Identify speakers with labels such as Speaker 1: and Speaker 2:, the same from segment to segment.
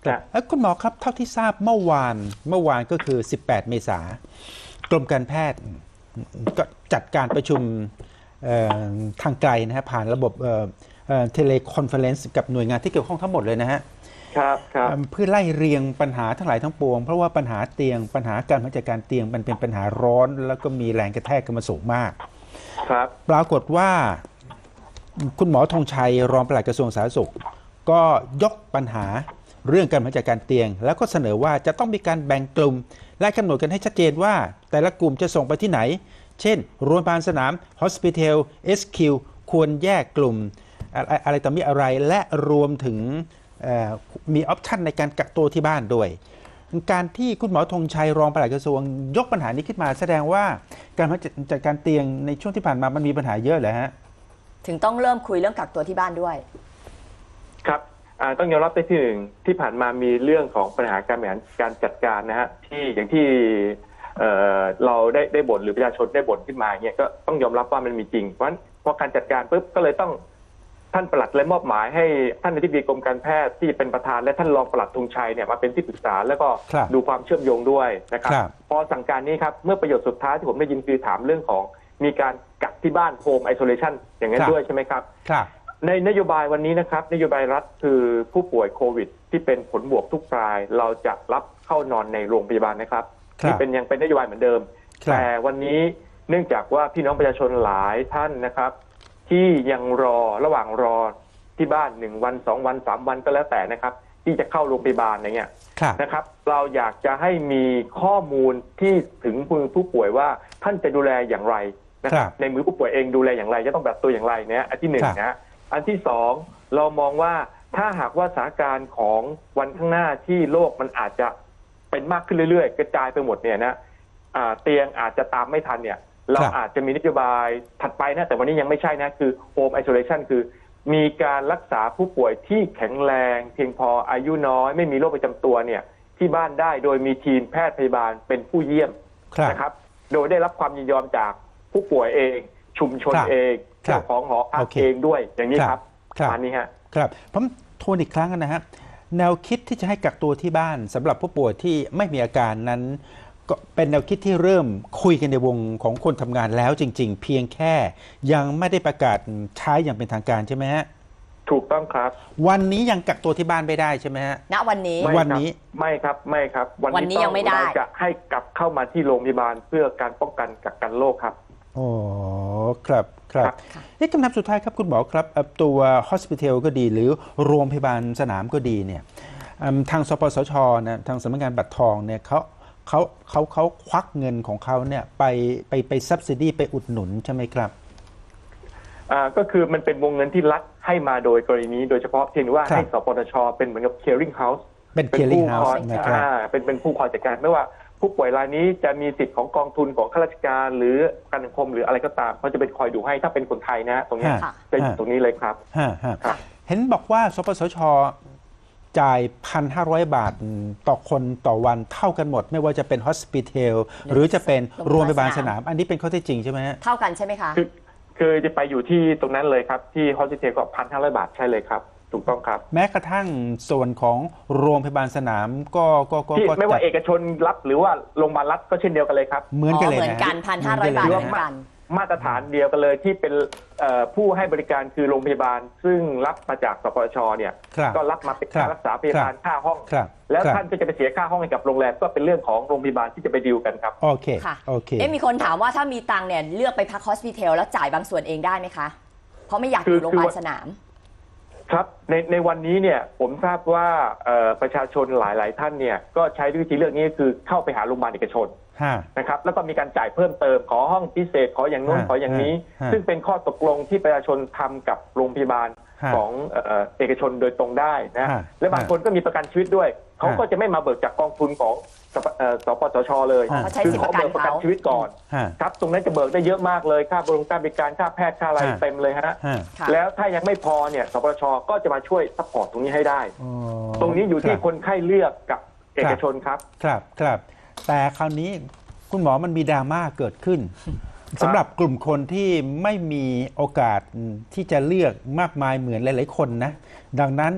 Speaker 1: คุณหมอครับเท่าที่ทราบเมื่อวานก็คือ18เมษากรมการแพทย์ก็จัดการประชุมทางไกลนะฮะผ่านระบบเทเลคอนเฟอเรนซ์กับหน่วยงานที่เกี่ยวข้องทั้งหมดเลยนะฮะ
Speaker 2: ครับ
Speaker 1: เพื่อไล่เรียงปัญหาทั้งหลายทั้งปวงเพราะว่าปัญหาเตียงปัญหาการบริหารจัดการเตียงมันเป็นปัญหาร้อนแล้วก็มีแรงกระแทกกันมาสูงมาก
Speaker 2: ครับ
Speaker 1: ปรากฏว่าคุณหมอธงชัยรองปลัดกระทรวงสาธารณสุขก็ยกปัญหาเรื่องการบริหารจัดการเตียงแล้วก็เสนอว่าจะต้องมีการแบ่งกลุ่มและกำหนดกันให้ชัดเจนว่าแต่ละกลุ่มจะส่งไปที่ไหนเช่นโรงพยาบาลสนาม Hospital SQ ควรแยกกลุ่มอะไรต่อมีอะไรและรวมถึงมีออปชันในการกักตัวที่บ้านด้วยการที่คุณหมอธงชัยรองปลัดกระทรวงยกปัญหานี้ขึ้นมาแสดงว่าการจัดการเตียงในช่วงที่ผ่านมามันมีปัญหาเยอะเลยฮะ
Speaker 3: ถึงต้องเริ่มคุยเรื่องกักตัวที่บ้านด้วย
Speaker 2: ครับต้องยอมรับที่หนึ่งที่ผ่านมามีเรื่องของปัญหาการบริหารการจัดการนะฮะที่อย่างที่เราได้บ่นหรือประชาชนได้บ่นขึ้นมาเนี่ยก็ต้องยอมรับว่ามันมีจริงเพราะฉะนั้นพอการจัดการปุ๊บก็เลยต้องท่านปลัดเลยมอบหมายให้ท่านอธิบดีกรมการแพทย์ที่เป็นประธานและท่านรองปลัดธงชัยเนี่ยมาเป็นที่ปรึกษาแล้วก็ดูความเชื่อมโยงด้วยนะครับพอสั่งการนี้ครับเมื่อประโยชน์สุดท้ายที่ผมได้ยินคือถามเรื่องของมีการกักที่บ้านโฮมไอโซเลชันอย่างนั้นด้วยใช่ไหมครับในนโยบายวันนี้นะครับนโยบายรัฐคือผู้ป่วยโควิดที่เป็นผลบวกทุกรายเราจะรับเข้านอนในโรงพยาบาลนะครับนี่ยังเป็นนโยบายเหมือนเดิมแต่วันนี้เนื่องจากว่าพี่น้องประชาชนหลายท่านนะครับที่ยังระหว่างรอที่บ้าน1 วัน2 วัน3 วันก็แล้วแต่นะครับที่จะเข้าโรงพยาบาลอะไรเงี้ยนะครับเราอยากจะให้มีข้อมูลที่ถึงมือผู้ป่วยว่าท่านจะดูแลอย่างไรนะครับในมือผู้ป่วยเองดูแลอย่างไรจะต้องแบบตัวอย่างไรเนี่ยอันที่1นะอันที่2เรามองว่าถ้าหากว่าสถานการณ์ของวันข้างหน้าที่โรคมันอาจจะเป็นมากขึ้นเรื่อยๆกระจายไปหมดเนี่ยนะเตียงอาจจะตามไม่ทันเนี่ยเราอาจจะมีนโยบายถัดไปนะแต่วันนี้ยังไม่ใช่นะคือ Home Isolation คือมีการรักษาผู้ป่วยที่แข็งแรงเพียงพออายุน้อยไม่มีโรคประจำตัวเนี่ยที่บ้านได้โดยมีทีมแพทย์พยาบาลเป็นผู้เยี่ยมนะครับโดยได้รับความยินยอมจากผู้ป่วยเองชุมชนเองเจ้าของหอพักเองด้วยอย่างนี้ครับอันนี้ฮะ
Speaker 1: ครับผมทวนอีกครั้งนะฮะแนวคิดที่จะให้กักตัวที่บ้านสำหรับผู้ป่วยที่ไม่มีอาการนั้นก็เป็นแนวคิดที่เริ่มคุยกันในวงของคนทำงานแล้วจริงๆเพียงแค่ยังไม่ได้ประกาศใช้อย่างเป็นทางการใช่ไหมฮะ
Speaker 2: ถูกต้องครับ
Speaker 1: วันนี้ยังกักตัวที่บ้านไม่ได้ใช่ไหมฮะ
Speaker 3: ณวันนี้
Speaker 2: ไม่ครับ
Speaker 3: วันนี้ยังไม่ได้
Speaker 2: เราจะให้กลับเข้ามาที่โรงพยาบาลเพื่อการป้องกันกักกันโรคครับ
Speaker 1: โอ้ครับนี่คำถามสุดท้ายครับคุณหมอครับตัว Hospital ก็ดีหรือโรงพยาบาลสนามก็ดีเนี่ยทางสปสชนะทางสำนักงานบัตรทองเนี่ยเขาควักเงินของเขาเนี่ยไปซับซิดีไปอุดหนุนใช่ไหมครับ
Speaker 2: ก็คือมันเป็นวงเงินที่รัฐให้มาโดยกรณีนี้โดยเฉพาะเพียงว่าให้สปสชเป็นเหมือนกับ clearing house
Speaker 1: เป็น clearing house
Speaker 2: นะครับเป็นผู้คอยจัดการไม่ว่าผู้ป่วยรายนี้จะมีสิทธิ์ของกองทุนของข้าราชการหรือการสังคมหรืออะไรก็ตามเขาจะเป็นคอยดูให้ถ้าเป็นคนไทยนะตรงนี้จะอยู่ตรงนี้เลยครับ
Speaker 1: เห็นบอกว่าสปสชจ่าย 1,500 บาทต่อคนต่อวันเท่ากันหมดไม่ว่าจะเป็น Hospital หรือจะเป็นโรงพยาบาลสนามอันนี้เป็นข้อเท็จจริงใช่ไหมฮะ
Speaker 3: เท่ากันใช่ไหมคะ
Speaker 2: คือจะไปอยู่ที่ตรงนั้นเลยครับที่ Hospital ก็ 1,500 บาทใช่เลยครับถูกต้องครับ
Speaker 1: แม้กระทั่งส่วนของโรงพยาบาลสนามก็
Speaker 2: ไม่ว่าเอกชนรับหรือว่าโรงพยาบาลรัฐก็เช่นเดียวกันเลยครับ
Speaker 1: เหมือนกันเลยนะ
Speaker 3: เหมือนกัน 1,500 บาทเหมือนกัน
Speaker 2: มาตรฐานเดียวกันเลยที่เป็นผู้ให้บริการคือโรงพยาบาลซึ่งรับมาจากสปสชเนี่ยก็รับมาเป็นค่ารักษาพยาบาลค่าห้องแล้วท่านก็จะไปเสียค่าห้องให้กับโรงแรมก็เป็นเรื่องของโรงพยาบาลที่จะไปดีลกันครับ
Speaker 1: โอเค
Speaker 3: มีคนถามว่าถ้ามีตังค์เนี่ยเลือกไปพัก Hospital แล้วจ่ายบางส่วนเองได้ไหมคะเพราะไม่อยากอยู่โรงพยาบาลสนาม
Speaker 2: ครับในวันนี้เนี่ยผมทราบว่าประชาชนหลายท่านเนี่ยก็ใช้วิธีเลือกนี้คือเข้าไปหาโรงพยาบาลเอกชนนะครับแล้วก็มีการจ่ายเพิ่มเติมขอห้องพิเศษขออย่างโน้นขออย่างนี้ซึ่งเป็นข้อตกลงที่ประชาชนทำกับโรงพยาบาลของเอกชนโดยตรงได้นะและบางคนก็มีประกันชีวิตด้วยเขาก็จะไม่มาเบิกจากกองทุนของสปสชเลย
Speaker 3: คือ
Speaker 2: เขาเบิกประกันชีวิตก่อนครับตรงนั้นจะเบิกได้เยอะมากเลยค่าบริการค่าแพทย์ค่าอะไรเต็มเลยฮะแล้วถ้ายังไม่พอเนี่ยสปสชก็จะมาช่วยซัพพอร์ตตรงนี้ให้ได้ตรงนี้อยู่ที่คนไข้เลือกกับเอกชนครับ
Speaker 1: แต่คราวนี้คุณหมอมันมีดราม่าเกิดขึ้นสำหรับกลุ่มคนที่ไม่มีโอกาสที่จะเลือกมากมายเหมือนหลายๆคนนะดังนั้น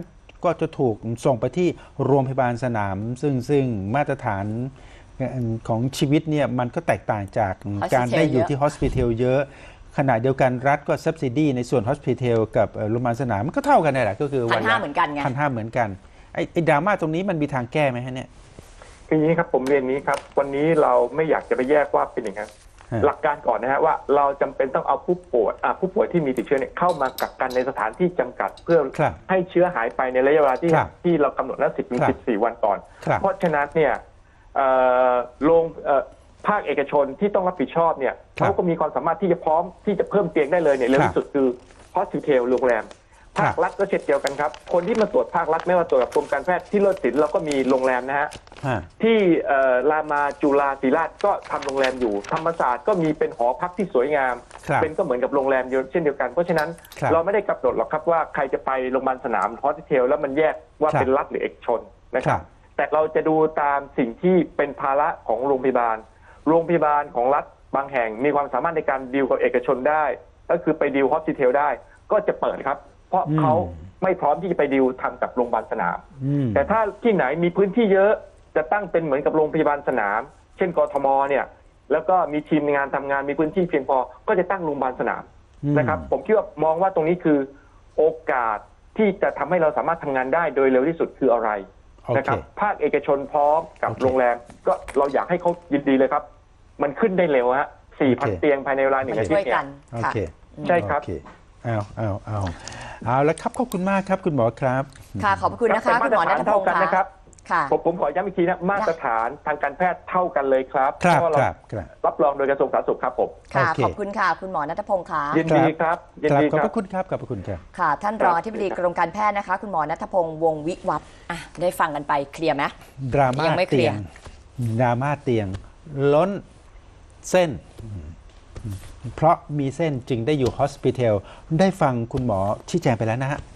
Speaker 1: ก็จะถูกส่งไปที่โรงพยาบาลสนาม ซึ่งมาตรฐานของชีวิตเนี่ยมันก็แตกต่างจากการได้อยู่ที่ฮอสพิทอลเยอะขณะเดียวกันรัฐก็ซับซิดีในส่วนฮอสพิทอลกับโรงพยาบาลสนามมันก็เท่ากันนี่แหละก็คือ
Speaker 3: 1,500เหมือนกันไง
Speaker 1: 1,500เหมือนกันไอ้ดราม่าตรงนี้มันมีทางแก้ไหมฮะเนี่ย
Speaker 2: คืออย่างนี้ครับผมเรียนนี้ครับวันนี้เราไม่อยากจะไปแยกว่าเป็นอย่างนั้นหลักการก่อนนะฮะว่าเราจำเป็นต้องเอาผู้ป่วยที่มีติดเชื้อเนี่ยเข้ามากักกันในสถานที่จำกัดเพื่อให้เชื้อหายไปในระยะเวลาที่เรากำหนดนั้น10 ถึง 14 วันก่อนเพราะฉะนั้นเนี่ยภาคเอกชนที่ต้องรับผิดชอบเนี่ยเขาก็มีความสามารถที่จะพร้อมที่จะเพิ่มเตียงได้เลยเนี่ยเร็วที่สุดคือฮอสพิทอลโรงแรมภาครัฐก็เช่นเดียวกันครับคนที่มาตรวจภาครัฐไม่ว่าตรวจกับกรมการแพทย์ที่เลิศศิลป์เราก็มีโรงแรมนะฮะที่รามาจุฬาศิริราชก็ทำโรงแรมอยู่ธรรมศาสตร์ก็มีเป็นหอพักที่สวยงามเป็นก็เหมือนกับโรงแรมเช่นเดียวกันเพราะฉะนั้นเราไม่ได้กำหนดหรอกครับว่าใครจะไปโรงพยาบาลสนามฮอสพิทอลแล้วมันแยกว่าเป็นรัฐหรือเอกชนนะครับแต่เราจะดูตามสิ่งที่เป็นภาระของโรงพยาบาลของรัฐบางแห่งมีความสามารถในการดีลกับเอกชนได้ก็คือไปดีลฮอสพิทอลได้ก็จะเปิดครับเพราะเขาไม่พร้อมที่จะไปดีลทำกับโรงพยาบาลสนามแต่ถ้าที่ไหนมีพื้นที่เยอะจะตั้งเป็นเหมือนกับโรงพยาบาลสนามเช่นกทมเนี่ยแล้วก็มีทีมงานทำงานมีพื้นที่เพียงพอก็จะตั้งโรงพยาบาลสนามนะครับผมคิดว่ามองว่าตรงนี้คือโอกาสที่จะทำให้เราสามารถทำงานได้โดยเร็วที่สุดคืออะไรนะครับภาคเอกชนพร้อมกับโรงแรมก็เราอยากให้เขายินดีเลยครับมันขึ้นได้เร็วฮะ 4,000 เตียงภายในเวลา1 อาทิตย์เนี่ยใช่ครับ
Speaker 1: เอาแล้วครับขอบคุณมากครับคุณหมอครับ
Speaker 3: ค่ะขอบคุณนะคะคุณหมอณัฐพงศ์
Speaker 2: ค่ะผมขอย้ำอีกทีนะมาตรฐานทางการแพทย์เท่ากันเลยครับเพราะเรารับรองโดยกระทรวงสาธารณสุขครับผม
Speaker 3: ค่ะขอบคุณค่ะคุณหมอณัฐพงศ์ค่ะ
Speaker 2: ยินดีครับยินดี
Speaker 1: ขอบคุณครับขอบคุณครับ
Speaker 3: ค่ะท่านรองอธิบดีกรมการแพทย์นะคะคุณหมอณัฐพงศ์วงศ์วิวัฒน์ได้ฟังกันไปเคลียร์ไหม
Speaker 1: ดราม่าเตียงล้นเส้นเพราะมีเส้นจึงได้อยู่ฮอสพิทอลได้ฟังคุณหมอชี้แจงไปแล้วนะฮะ